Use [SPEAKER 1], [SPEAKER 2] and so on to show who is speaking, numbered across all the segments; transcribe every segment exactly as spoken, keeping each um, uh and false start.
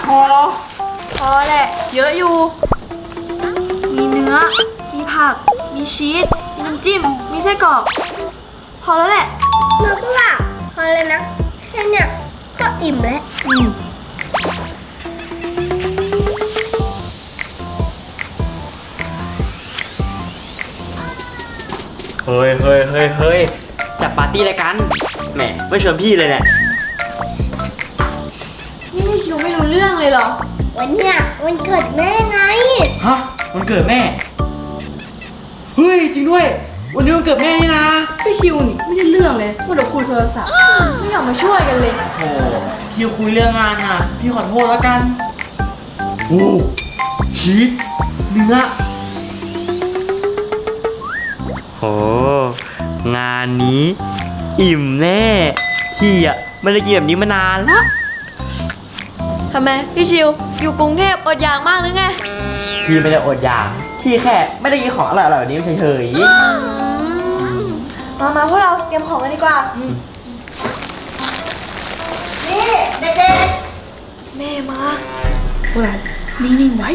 [SPEAKER 1] พอแล้วพอแหละเยอะอยู่มีเนื้อมีผักมีชีสมีน้ำจิ้มมีไส้กรอกพอแล้วแหละ
[SPEAKER 2] เนื้อพวกเราพอเลยนะแค่เนี้ยก็อิ่มแล้ว
[SPEAKER 1] อืม
[SPEAKER 3] เฮ้ยเฮ้ยเฮ้ยเฮ้ยจัดปาร์ตี้อะไรกันแหมไม่ชวนพี่เลยเนี่ย
[SPEAKER 1] นี่พี่ชิวไม่รู้เรื่องเลยเหรอ
[SPEAKER 2] วันเนี้ยวันเกิดแม่ไง
[SPEAKER 3] ฮะวันเกิดแม่เฮ้ยจริงด้วยวันนี้วันเกิดแม่นี่นะ
[SPEAKER 1] พี่ชิวนี่ไม่ได้เรื่องเลยว่าเดี๋ยวคุยโทรศัพท์ไม่อยากมาช่วยกันเลย
[SPEAKER 3] โอ้พี่คุยเรื่องงานอ่ะพี่ขอโทษแล้วกันโอ้ชีสเนื้อโอ้งานนี้อิ่มแน่พี่อ่ะไม่ได้กินแบบนี้มานานแล้ว
[SPEAKER 1] ทำไมพี่ชิวอยู่กรุงเทพอดอยากมากหรือไง
[SPEAKER 3] พี่ไม่ได้อดอยากพี่แค่ไม่ได้กินของอร่อยๆแบบนี้เฉย
[SPEAKER 1] ๆมามาพวกเราเตรียมของกันดีกว่านี่เด็กๆแม่มาพวกเรานิ่งๆไว้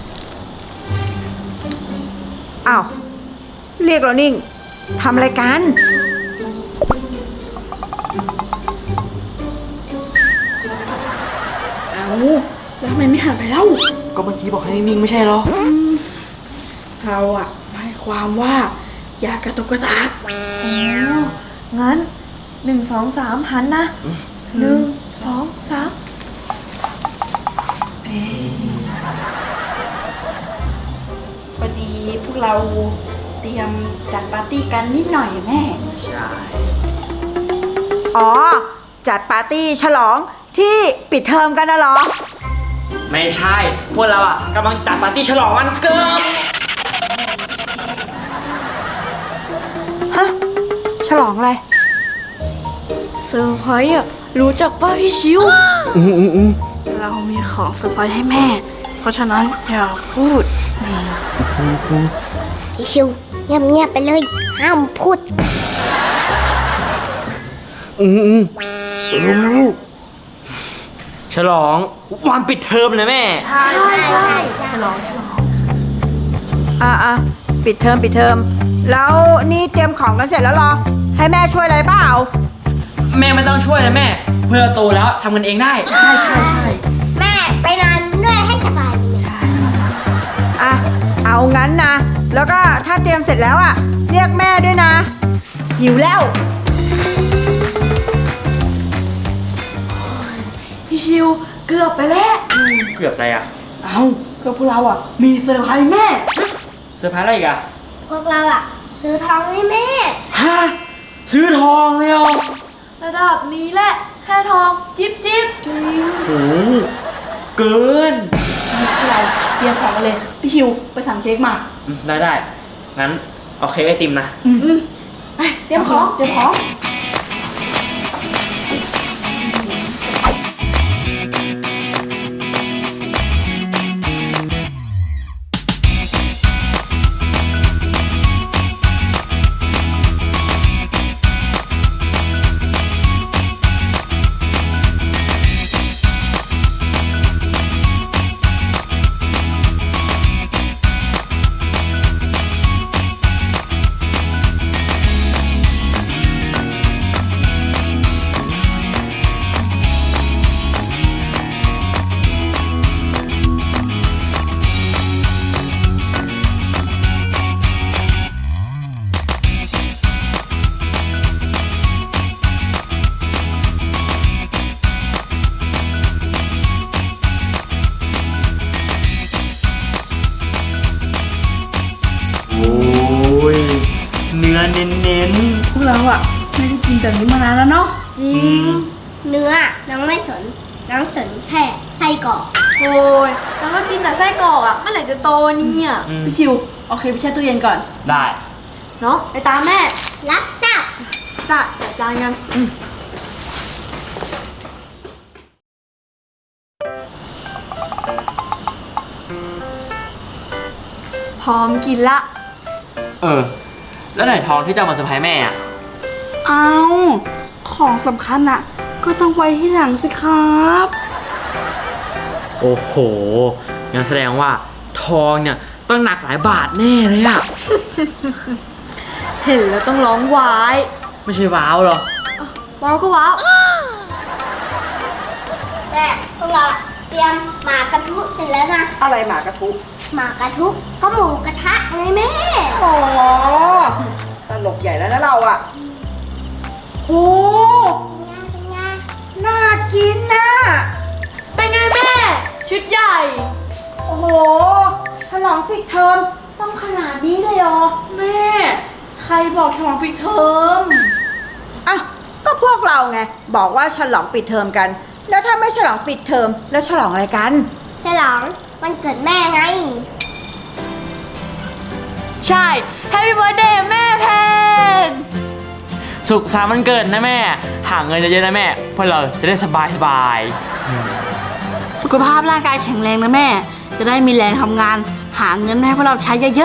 [SPEAKER 4] อ้าวเรียกเรานิ่งทำอะไรกัน
[SPEAKER 1] เอาแล้วทำไมไม่หันไปเล่า
[SPEAKER 3] ก็เมื่อกี้บอกให้นิ่งๆไม่ใช่หรอ
[SPEAKER 1] เราอะหมายความว่าอย่ากระตุกกระตากอ๋องั้นหนึ่งสองสามหันนะหนึ่งสองสามพอดีพวกเราเตรียมจัดปาร์ตี้กันนิดหน่อยแม่
[SPEAKER 3] ใช่
[SPEAKER 4] อ๋อจัดปาร์ตี้ฉลองที่ปิดเทอมกันนะเหรอ
[SPEAKER 3] ไม่ใช่พวกเราอ่ะกำลังจัดปาร์ตี้ฉลองวันเกิด
[SPEAKER 4] ฮะฉลองอะไร
[SPEAKER 1] เซอร์ไพรส์อ่ะรู้จักป่ะพี่ชิว
[SPEAKER 3] อืมอืมอืม
[SPEAKER 1] เรามีของเซอร์ไพรส์ให้แม่เพราะฉะนั้นอย่าพูด
[SPEAKER 2] พี่ชิวเงียบๆไปเลยห้ามพูด
[SPEAKER 3] อืมอืมรู้ฉลองวันปิดเทอมเลยแม่
[SPEAKER 1] ใช่ใช่ใช่ฉลองฉลอง
[SPEAKER 4] อ่ะอ่ะปิดเทอมปิดเทอมแล้วนี่เตรียมของกันเสร็จแล้วเหรอให้แม่ช่วยอะไรเปล่า
[SPEAKER 3] แม่ไม่ต้องช่วยนะแม่เพื่อโตแล้วทำกันเองได้
[SPEAKER 1] ใช่ใช่ใช่
[SPEAKER 2] แม่ไปนอนนวดให้สบาย
[SPEAKER 1] ใช่
[SPEAKER 4] อ่ะเอางั้นนะแล้วก็ถ้าเตรียมเสร็จแล้วอ่ะเรียกแม่ด้วยนะหิวแล้ว
[SPEAKER 1] พี่ชิวเกือบไปแล้ว
[SPEAKER 3] เกือบอะไรอ่ะ
[SPEAKER 1] เอาก็พวกเราอ่ะมีเซอร์ไพรส์แม่
[SPEAKER 3] เซอร์ไพรส์อะไรอีกอ่ะ
[SPEAKER 2] พวกเราอ่ะซื้อทองให้แม่
[SPEAKER 3] ฮะซื้อทองเลยเหรอ
[SPEAKER 1] ระดับนี้แหละแค่ทองจิ๊บจิ๊บจริง
[SPEAKER 3] โอ้เกิน
[SPEAKER 1] พวกเราเตรียมของกันเลยพี่ชิวไปสั่งเค้กมา
[SPEAKER 3] ได้ได้งั้นเอาเค้กไอติมนะ
[SPEAKER 1] อืมไปเตรียมของเตรียมของ
[SPEAKER 3] เนื้อเน้น
[SPEAKER 1] ๆพวกเราอ่ะไม่ได้กินแบบนี้มานานแล้วเนาะ
[SPEAKER 2] จริงเนื้อน้องไม่สนน้องสนแค่ไส้กรอก
[SPEAKER 1] โอ้ยแล้วก็กินแต่ไส้กรอกอ่ะเมื่อไหร่จะโตเนี่ยพี่ชิวโอเคไปแช่ตู้เย็นก่อน
[SPEAKER 3] ได้
[SPEAKER 1] เนาะไปตามแม่
[SPEAKER 2] รับทราบ
[SPEAKER 1] จัดจัดจานกันพร้อมกินละ
[SPEAKER 3] เออแล้วไหนทองที่จะมาเซอร์ไพรส์แม่อะ
[SPEAKER 1] เอาของสำคัญอะก็ต้องไว้ที่หลังสิครับ
[SPEAKER 3] โอ้โหงั้นแสดงว่าทองเนี่ยต้องหนักหลายบาทแน่เลยอะ
[SPEAKER 1] เห็นแล้วต้องร้องวาย
[SPEAKER 3] ไม่ใช่ว้าวเหรอ
[SPEAKER 1] ว้าวก็ว้าว
[SPEAKER 2] แม่พวกเราเตรียมหมากระทุเสร็จแล้วนะ
[SPEAKER 4] อะไรหมากระทุ
[SPEAKER 2] หมากระทุก็หมูกระทะไงแม่
[SPEAKER 4] อ๋อตลกใหญ่แล้วนะเราอ่ะโอ้น่ากินนะ
[SPEAKER 1] เป็นไงแม่ ชุดใหญ่
[SPEAKER 4] โอ้โห ฉลองปิดเทอมต้องขนาดนี้เลยเหรอ
[SPEAKER 1] แม่ ใครบอกฉลองปิดเทอม
[SPEAKER 4] อ่ะก็พวกเราไง บอกว่าฉลองปิดเทอมกัน แล้วถ้าไม่ฉลองปิดเทอมแล้วฉลองอะไรกัน
[SPEAKER 2] ฉลองวันเกิดแม่ไง
[SPEAKER 1] ใช่ Happy Birthday แม่แพน
[SPEAKER 3] สุขสันต์วันเกิดนะแม่ หาเงินเยอะๆนะแม่เพื่อเราจะได้สบายสบายๆ
[SPEAKER 5] สุขภาพร่างกายแข็งแรงนะแม่ จะได้มีแรงทำงาน หาเงินมาให้พวกเราใช้เยอะ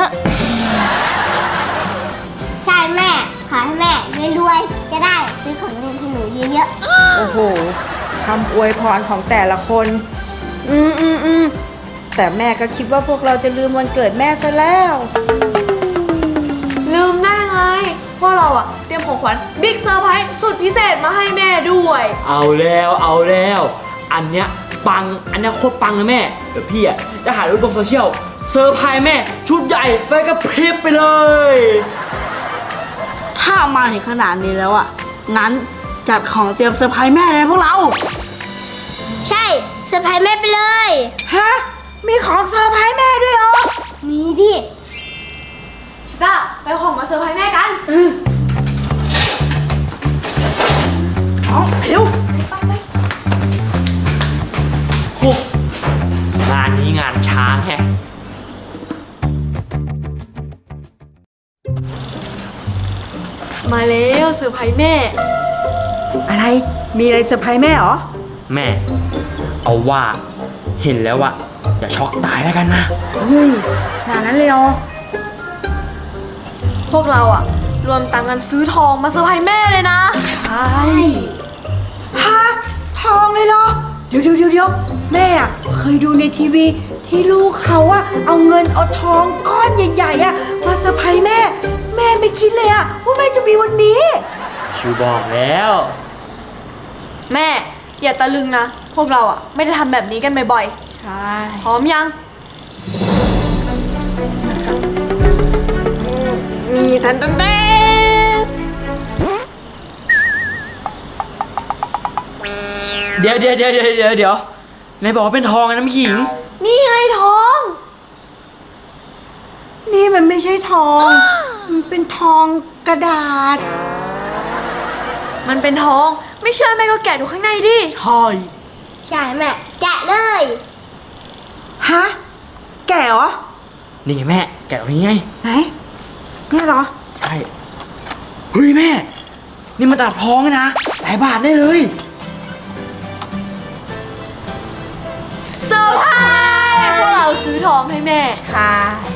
[SPEAKER 2] ใช่แม่ ขอให้แม่รวยๆจะได้ซื้อของเล่นให้หนูเยอะ
[SPEAKER 4] โอ้โหคำอวยพรของแต่ละคน อืมอืมอืมแต่แม่ก็คิดว่าพวกเราจะลืมวันเกิดแม่ซะแล้ว
[SPEAKER 1] ลืมได้ไง พวกเราอะเตรียมของขวัญบิ๊กเซอร์ไพรส์สุดพิเศษมาให้แม่ด้วย
[SPEAKER 3] เอาแล้วเอาแล้ว อันเนี้ยปัง อันเนี้ยโคตรปังนะแม่ เดี๋ยวพี่อ่ะจะหารูปลงโซเชียลเซอร์ไพรส์แม่ ชุดใหญ่ไฟกระพริบไปเลย
[SPEAKER 5] ๆ ถ้ามาถึงขนาดนี้แล้วอ่ะ งั้นจัดของเตรียมเซอร์ไพรส์แม่เลยพวกเรา
[SPEAKER 2] ๆ ใช่เซอร์ไพรส์แม่ไปเลย
[SPEAKER 4] ฮะ มีของเซอร์ไพรส์แม่ด้วยเหรอ
[SPEAKER 2] มีดิ
[SPEAKER 1] ชิต้าไปเอาของมาเซอร์ไพรส์แม่กัน
[SPEAKER 4] เอาเร็ว
[SPEAKER 3] โหงานนี้งานช้างแฮะ
[SPEAKER 1] มาแล้วเซอร์ไพรส์แม่
[SPEAKER 4] อะไร มีอะไรเซอร์ไพรส์แม่เหรอ
[SPEAKER 3] แม่ เอาว่าเห็นแล้วอะอย่าช็อกตายแล้วกันนะ
[SPEAKER 4] เฮ้ยขนาดนั้นเลยเหรอ
[SPEAKER 1] พวกเราอะรวมตังค์กันซื้อทองมาเซอร์ไพรส์แม่เลยนะ
[SPEAKER 4] ใช่ฮะ ทองเลยเหรอ เดี๋ยวเดี๋ยวเดี๋ยวเดี๋ยวแม่อะเคยดูในทีวีที่ลูกเขาอะเอาเงินเอาทองก้อนใหญ่ๆอะมาเซอร์ไพรส์แม่ แม่ไม่คิดเลยอะว่าแม่จะมีวันนี้
[SPEAKER 3] ชิวบอกแล้ว
[SPEAKER 1] แม่ อย่าตะลึงนะ พวกเราอะไม่ได้ทำแบบนี้กันบ่อย
[SPEAKER 4] ใช่
[SPEAKER 1] ๆ พร้อมยัง
[SPEAKER 4] มีทันตันเต้
[SPEAKER 3] เดี๋ยวเดี๋ยวเดี๋ยวเดี๋ยวเดี๋ยวเดี๋ยวไหนบอกว่าเป็นทองไงน้ำขิง
[SPEAKER 1] นี่ไงทอง
[SPEAKER 4] นี่มันไม่ใช่ทอง มันเป็นทองกระดาษ
[SPEAKER 1] มันเป็นทอง ไม่เชื่อแม่ก็แกะดูข้างในดิ
[SPEAKER 3] ใช่
[SPEAKER 2] ใช่แม่ แกะเลย
[SPEAKER 4] ฮะ แก่เหรอ
[SPEAKER 3] นี่ไงแม่ แกะตรงนี้ไง
[SPEAKER 4] ไหนเนี่ยเหรอ
[SPEAKER 3] ใช่ เฮ้ยแม่ นี่มันตลับทองนะ หลายบาทได้เลย
[SPEAKER 1] เซอร์ไพรส์พวกเราซื้อทองให้แม่
[SPEAKER 4] ค่ะ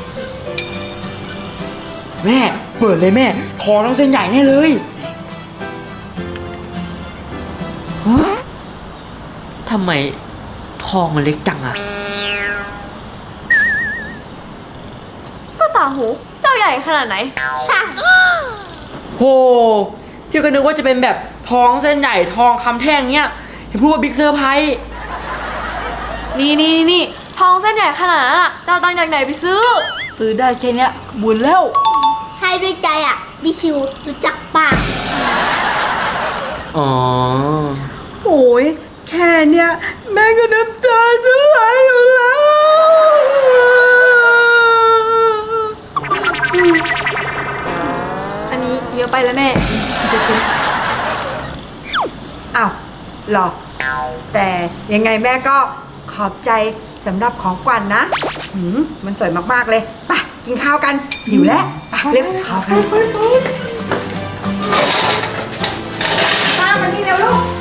[SPEAKER 3] แม่เปิดเลยแม่ ทองต้องเส้นใหญ่แน่เลยฮะทำไมทองมันเล็กจังอะ
[SPEAKER 1] ก็ต่างหู เจ้าใหญ่ขนาดไหน
[SPEAKER 2] ใช่
[SPEAKER 3] โหพี่ก็นึกว่าจะเป็นแบบทองเส้นใหญ่ทองคำแท่งเนี้ยเห็นพูดว่าบิ๊กเซอร์ไพรส์
[SPEAKER 1] นี่นี่นี่ทองเส้นใหญ่ขนาดนั้นอะเจ้าตังค์จากไหนไปซื้อ
[SPEAKER 5] ซื้อได้แค่เนี้ยบุญแล้ว
[SPEAKER 2] ให้ด้วยใจอ่ะบิชิวรู้จักปะ
[SPEAKER 3] อ๋อ
[SPEAKER 4] โอ้ยแค่เนี้ยแม่ก็น้ำตาจะไหลอยู่แล้ว
[SPEAKER 1] อันนี้เยอะไปแล้วแม่
[SPEAKER 4] อ้าวเหรอ แต่ยังไงแม่ก็ขอบใจสำหรับของขวัญนะหืมมันสวยมากๆเลยไปกินข้าวกันหิวแล้วไปเร็วข้าวกันป้ามานี่เร็วลูก